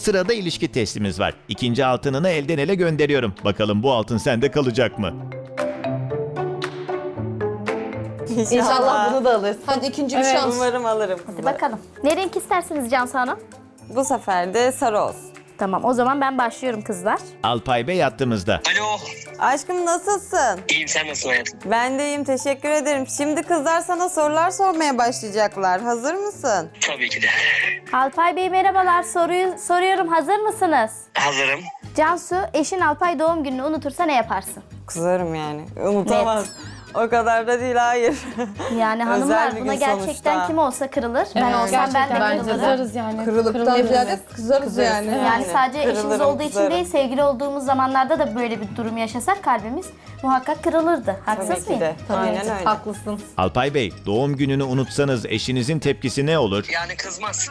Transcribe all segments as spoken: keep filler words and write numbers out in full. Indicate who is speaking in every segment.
Speaker 1: Sırada ilişki testimiz var. İkinci altınını elden ele gönderiyorum. Bakalım bu altın sende kalacak mı?
Speaker 2: İnşallah bunu da alırsın.
Speaker 3: Hadi ikinci bir
Speaker 2: Evet,
Speaker 3: şans.
Speaker 4: Umarım alırım.
Speaker 5: Hadi bakalım. Ne renk istersiniz Cansu Hanım?
Speaker 4: Bu sefer de sarı olsun.
Speaker 5: Tamam, o zaman ben başlıyorum kızlar.
Speaker 1: Alpay Bey hattımızda.
Speaker 6: Alo.
Speaker 4: Aşkım nasılsın?
Speaker 6: İyiyim, sen nasılsın hayatım?
Speaker 4: Ben de iyiyim, teşekkür ederim. Şimdi kızlar sana sorular sormaya başlayacaklar. Hazır mısın?
Speaker 6: Tabii ki de.
Speaker 5: Alpay Bey merhabalar, soruyu soruyorum. Hazır mısınız?
Speaker 6: Hazırım.
Speaker 5: Cansu, eşin Alpay doğum gününü unutursa ne yaparsın?
Speaker 4: Kızarım yani. Unutamaz. O kadar da değil, hayır.
Speaker 5: Yani
Speaker 4: Özel
Speaker 5: hanımlar
Speaker 4: bir
Speaker 5: buna
Speaker 4: gün
Speaker 5: gerçekten
Speaker 4: sonuçta.
Speaker 5: kim olsa kırılır. Ben
Speaker 2: Evet,
Speaker 5: olsam ben de
Speaker 2: gerçekten
Speaker 5: kırılırım.
Speaker 2: kızarız yani.
Speaker 3: Kırılıktan
Speaker 2: Kırılırız.
Speaker 3: ziyade kızarız,
Speaker 4: Kızarız.
Speaker 3: yani.
Speaker 5: Yani
Speaker 4: Yani
Speaker 5: sadece eşimiz
Speaker 4: kırılırım,
Speaker 5: olduğu için
Speaker 4: kızarım.
Speaker 5: değil, sevgili olduğumuz zamanlarda da böyle bir durum yaşasak kalbimiz muhakkak kırılırdı. Haksız
Speaker 4: Tabii ki
Speaker 5: mıyım?
Speaker 4: de. Aynen öyle.
Speaker 2: Haklısın.
Speaker 1: Alpay Bey, doğum gününü unutsanız eşinizin tepkisi ne olur?
Speaker 6: Yani kızmaz.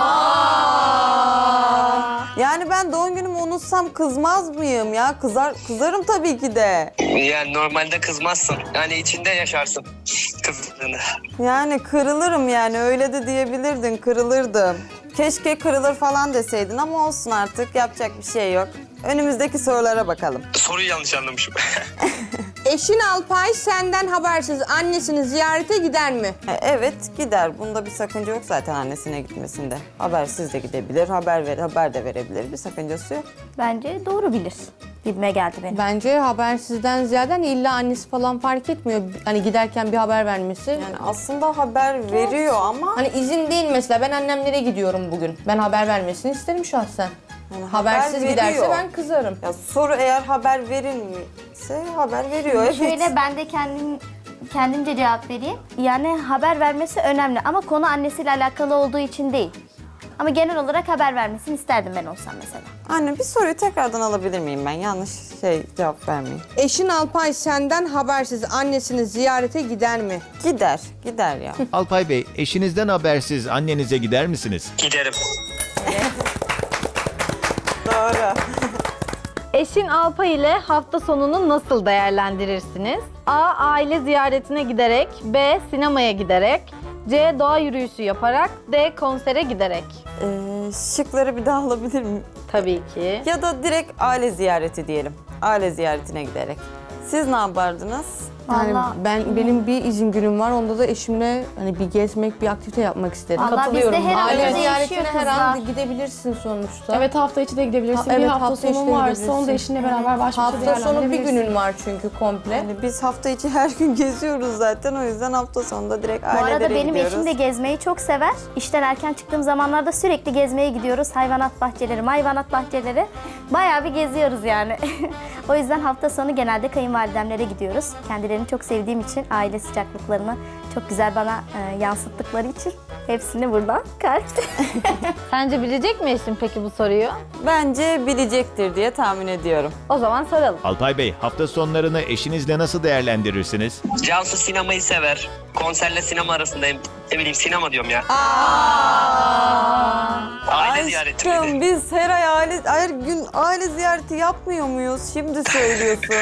Speaker 4: Yani ben doğum günümü unutsam kızmaz mıyım ya? Kızar, kızarım tabii ki de.
Speaker 6: Yani normalde kızmazsın. Yani içinde yaşarsın kızdığını.
Speaker 4: Yani kırılırım yani, öyle de diyebilirdin, kırılırdım. Keşke kırılır falan deseydin ama olsun artık, yapacak bir şey yok. Önümüzdeki sorulara bakalım.
Speaker 6: Soruyu yanlış anlamışım.
Speaker 3: Eşin Alpay senden habersiz annesini ziyarete gider mi?
Speaker 4: E, Evet gider. Bunda bir sakınca yok zaten annesine gitmesinde. Habersiz de gidebilir, haber ver, haber de verebilir. Bir sakıncası yok.
Speaker 5: Bence doğru bilir. Gibime geldi benim.
Speaker 3: Bence habersizden ziyade hani illa annesi falan fark etmiyor. Hani giderken bir haber vermesi.
Speaker 4: Yani aslında haber veriyor ama
Speaker 3: Hani izin değil mesela, ben annemlere gidiyorum bugün. Ben haber vermesini isterim şahsen.
Speaker 4: Yani
Speaker 3: Habersiz
Speaker 4: haber
Speaker 3: giderse
Speaker 4: veriyor.
Speaker 3: ben kızarım.
Speaker 4: ya soru eğer haber verilmişse haber veriyor. Evet.
Speaker 5: Şöyle ben de kendim kendimce cevap vereyim. Yani haber vermesi önemli ama konu annesiyle alakalı olduğu için değil. Ama genel olarak haber vermesini isterdim ben olsam mesela.
Speaker 4: Anne bir soruyu tekrardan alabilir miyim ben? Yanlış şey cevap vermeyeyim.
Speaker 3: Eşin Alpay senden habersiz annesini ziyarete gider mi?
Speaker 4: Gider, gider ya.
Speaker 1: Alpay Bey, eşinizden habersiz annenize gider misiniz?
Speaker 6: Giderim.
Speaker 4: Doğru.
Speaker 2: Eşin Alpay ile hafta sonunu nasıl değerlendirirsiniz? A. Aile ziyaretine giderek. B. Sinemaya giderek. C. Doğa yürüyüşü yaparak. D. Konsere giderek.
Speaker 4: Ee, şıkları bir daha alabilir miyim?
Speaker 2: Tabii ki.
Speaker 4: Ya da direkt aile ziyareti diyelim. Aile ziyaretine giderek. Siz ne yapardınız?
Speaker 3: Yani
Speaker 5: Vallahi-
Speaker 3: ben benim bir izin günüm var. Onda da eşimle hani bir gezmek, bir aktivite yapmak isterim.
Speaker 5: Vallahi
Speaker 2: Katılıyorum
Speaker 5: bizde her
Speaker 2: ben.
Speaker 5: an
Speaker 3: Aile
Speaker 5: değişiyor
Speaker 3: ziyaretine her an
Speaker 5: kızlar.
Speaker 3: gidebilirsin sonuçta.
Speaker 7: Evet, hafta içi de gidebilirsin.
Speaker 3: Ha,
Speaker 7: bir
Speaker 3: evet,
Speaker 7: hafta,
Speaker 3: hafta içi
Speaker 7: sonun
Speaker 3: de
Speaker 7: varsa
Speaker 3: gidebilirsin.
Speaker 7: onu da eşinle beraber baş başa
Speaker 3: Hafta sonu bir
Speaker 7: değerlendirebilirsin.
Speaker 3: günün var çünkü komple.
Speaker 4: Yani biz hafta içi her gün geziyoruz zaten. O yüzden hafta sonunda direkt
Speaker 5: Bu
Speaker 4: ailelere
Speaker 5: arada benim
Speaker 4: gidiyoruz.
Speaker 5: eşim de gezmeyi çok sever. İşten erken çıktığım zamanlarda sürekli gezmeye gidiyoruz. Hayvanat bahçeleri, hayvanat bahçeleri. Bayağı bir geziyoruz yani. O yüzden hafta sonu genelde kayınvalidemlere gidiyoruz. Kendilerini çok sevdiğim için, aile sıcaklıklarını çok güzel bana e, yansıttıkları için hepsini buradan kalp.
Speaker 2: Sence bilecek mi eşin peki bu soruyu?
Speaker 4: Bence bilecektir diye tahmin ediyorum.
Speaker 2: O zaman soralım.
Speaker 1: Alpay Bey, hafta sonlarını eşinizle nasıl değerlendirirsiniz?
Speaker 6: Cansu sinemayı sever. Konserle sinema arasındayım. Ne bileyim, sinema diyorum ya. Aile ziyareti
Speaker 4: Aşkım
Speaker 6: miydi?
Speaker 4: biz her ay aile, her gün aile ziyareti yapmıyor muyuz? Şimdi söylüyorsun.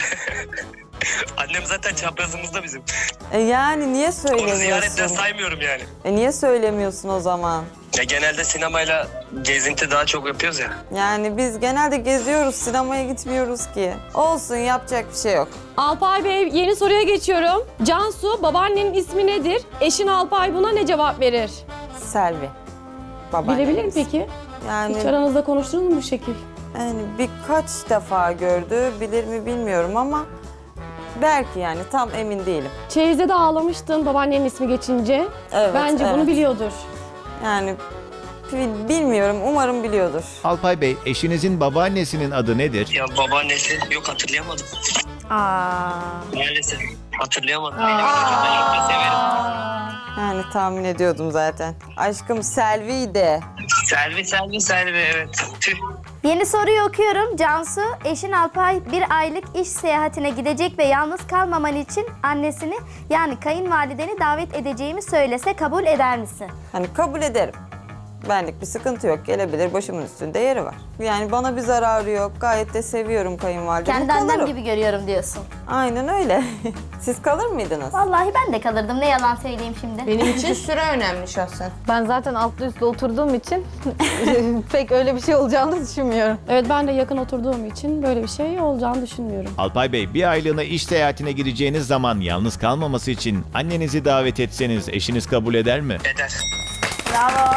Speaker 6: Annem zaten çaprazımızda bizim.
Speaker 4: e yani niye
Speaker 6: Onu ziyaretten
Speaker 4: söylemiyorsun?
Speaker 6: saymıyorum yani.
Speaker 4: E niye söylemiyorsun o zaman?
Speaker 6: Ya genelde sinemayla gezinti daha çok yapıyoruz ya.
Speaker 4: Yani biz genelde geziyoruz, sinemaya gitmiyoruz ki. Olsun, yapacak bir şey yok.
Speaker 7: Alpay Bey, yeni soruya geçiyorum. Cansu, babaannenin ismi nedir? Eşin Alpay buna ne cevap verir?
Speaker 4: Selvi. Babaannemiz.
Speaker 7: Bilebilir mi peki?
Speaker 4: Yani,
Speaker 7: Hiç aranızda konuştunuz mu bu şekil?
Speaker 4: yani birkaç defa gördü, bilir mi bilmiyorum ama belki, yani tam emin değilim.
Speaker 7: Çeyiz'de de ağlamıştın babaannenin ismi geçince.
Speaker 4: Evet,
Speaker 7: Bence bunu
Speaker 4: evet.
Speaker 7: biliyordur.
Speaker 4: Yani bil- bilmiyorum, umarım biliyordur.
Speaker 1: Alpay Bey, eşinizin babaannesinin adı nedir?
Speaker 6: Ya babaannesi yok, hatırlayamadım.
Speaker 5: Aa.
Speaker 6: Maalesef hatırlayamadım. Benim ben çok da severim.
Speaker 4: Yani tahmin ediyordum zaten. Aşkım Selvi'ydi.
Speaker 6: Selvi, Selvi, Selvi, evet. Tüh.
Speaker 5: Yeni soruyu okuyorum. Cansu, eşin Alpay bir aylık iş seyahatine gidecek ve yalnız kalmaman için annesini yani kayınvalideni davet edeceğimi söylese kabul eder misin?
Speaker 4: Hani kabul ederim. Benlik bir sıkıntı yok. Gelebilir, başımın üstünde yeri var. Yani bana bir zararı yok. Gayet de seviyorum kayınvalidemi.
Speaker 5: Kendi annem
Speaker 4: Kalırım.
Speaker 5: gibi görüyorum diyorsun.
Speaker 4: Aynen öyle. Siz kalır mıydınız?
Speaker 5: Vallahi ben de kalırdım. Ne yalan söyleyeyim şimdi.
Speaker 3: Benim için süre önemli şahsen.
Speaker 2: Ben zaten altlı üstlü oturduğum için pek öyle bir şey olacağını düşünmüyorum.
Speaker 7: Evet, ben de yakın oturduğum için böyle bir şey olacağını düşünmüyorum.
Speaker 1: Alpay Bey, bir aylığına iş seyahatine gireceğiniz zaman yalnız kalmaması için annenizi davet etseniz eşiniz kabul eder mi?
Speaker 6: Eder.
Speaker 5: Bravo.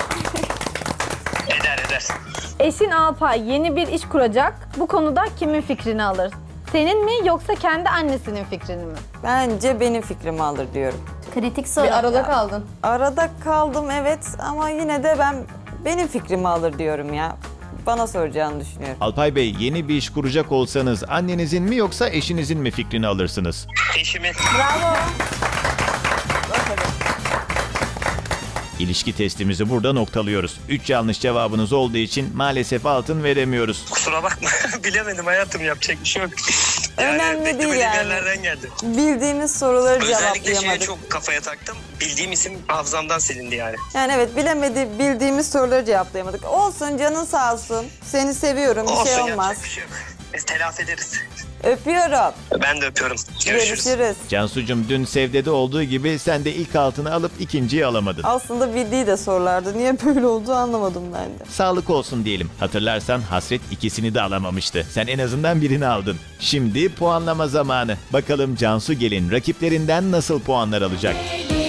Speaker 6: Eder eder.
Speaker 2: Eşin Alpay yeni bir iş kuracak. Bu konuda kimin fikrini alır? Senin mi yoksa kendi annesinin fikrini mi?
Speaker 4: Bence benim fikrimi alır diyorum.
Speaker 5: Kritik soru.
Speaker 3: Bir arada kaldın.
Speaker 4: Arada kaldım evet ama yine de ben benim fikrimi alır diyorum ya. Bana soracağını düşünüyorum.
Speaker 1: Alpay Bey, yeni bir iş kuracak olsanız annenizin mi yoksa eşinizin mi fikrini alırsınız?
Speaker 6: Eşimi.
Speaker 1: İlişki testimizi burada noktalıyoruz. üç yanlış cevabınız olduğu için maalesef altın veremiyoruz.
Speaker 6: Kusura bakma. Bilemedim hayatım, yapacak bir şey yok.
Speaker 4: Önemli değil
Speaker 6: beklemediğim
Speaker 4: yani.
Speaker 6: yerlerden geldi.
Speaker 4: Bildiğimiz soruları
Speaker 6: Özellikle şeye
Speaker 4: cevaplayamadık.
Speaker 6: çok kafaya taktım. Bildiğim isim hafızamdan silindi yani.
Speaker 4: Yani evet bilemedi bildiğimiz soruları cevaplayamadık. Olsun canın sağ olsun. Seni seviyorum bir
Speaker 6: Olsun,
Speaker 4: şey
Speaker 6: yapacak
Speaker 4: olmaz.
Speaker 6: bir şey yok. Biz telafi ederiz.
Speaker 4: Öpüyorum.
Speaker 6: Ben de öpüyorum. Görüşürüz.
Speaker 4: Görüşürüz.
Speaker 1: Cansucuğum, dün Sevde'de olduğu gibi sen de ilk altını alıp ikinciyi alamadın.
Speaker 4: Aslında bildiği de sorulardı. Niye böyle oldu anlamadım ben de.
Speaker 1: Sağlık olsun diyelim. Hatırlarsan Hasret ikisini de alamamıştı. Sen en azından birini aldın. Şimdi puanlama zamanı. Bakalım Cansu Gelin rakiplerinden nasıl puanlar alacak?